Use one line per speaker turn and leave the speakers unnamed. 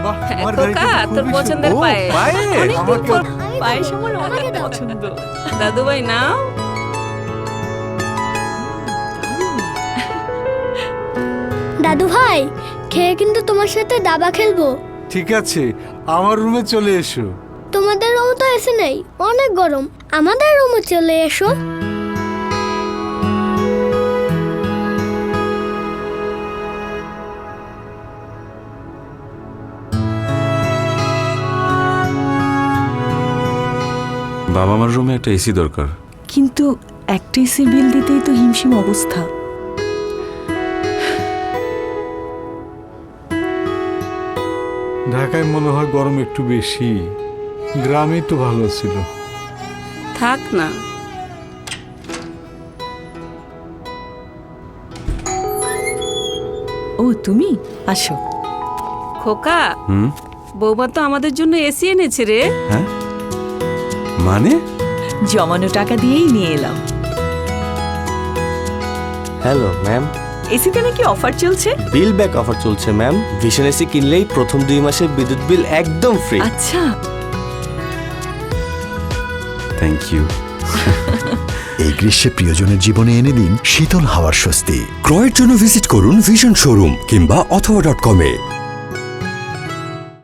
বাহ, আমার
খোকা,
গাড়িটা তো
তোর
খুবই
পছন্দের
সুন্দর।
পায়েস।
পায়েস?
অনেকদিন পর
আমাকে-
পায়েস আমার অনেক পছন্দ। দাদু ভাই নাও।
দাদু ভাই, খেয়ে কিন্তু তোমার সাথে দাবা খেলবো।
ঠিক আছে, আমার রুমে চলে এসো।
তোমাদের রুমে তো এসে নেই, অনেক গরম। আমাদের রুমে চলে এসো।
বাবা মার রুমে একটা এসি দরকার।
কিন্তু একটা এসির বিল দিতেই তো হিমশিম অবস্থা।
ঢাকায় মনে হয় গরম একটু বেশি, গ্রামেই তো ভালো ছিল।
থাক না।
ও তুমি আসো।
খোকা,
হুম,
বৌমা তো আমাদের জন্য এসি এনেছে রে।
হ্যাঁ মানে?
জমানো টাকা দিয়েই নিয়ে এলাম।
হ্যালো ম্যাম,
এসিতে নাকি অফার চলছে?
বিল ব্যাক অফার চলছে ম্যাম। ভিশন এসি কিনলেই প্রথম 2 মাসের বিদ্যুৎ বিল একদম ফ্রি।
আচ্ছা,
থ্যাংক ইউ।
এই গ্রীষ্মে প্রিয়জনের জীবনে এনে দিন শীতল হাওয়ার স্বস্তি।
ক্রয়ের জন্য ভিজিট করুন ভিশন শোরুম কিংবা অথবা.com-এ।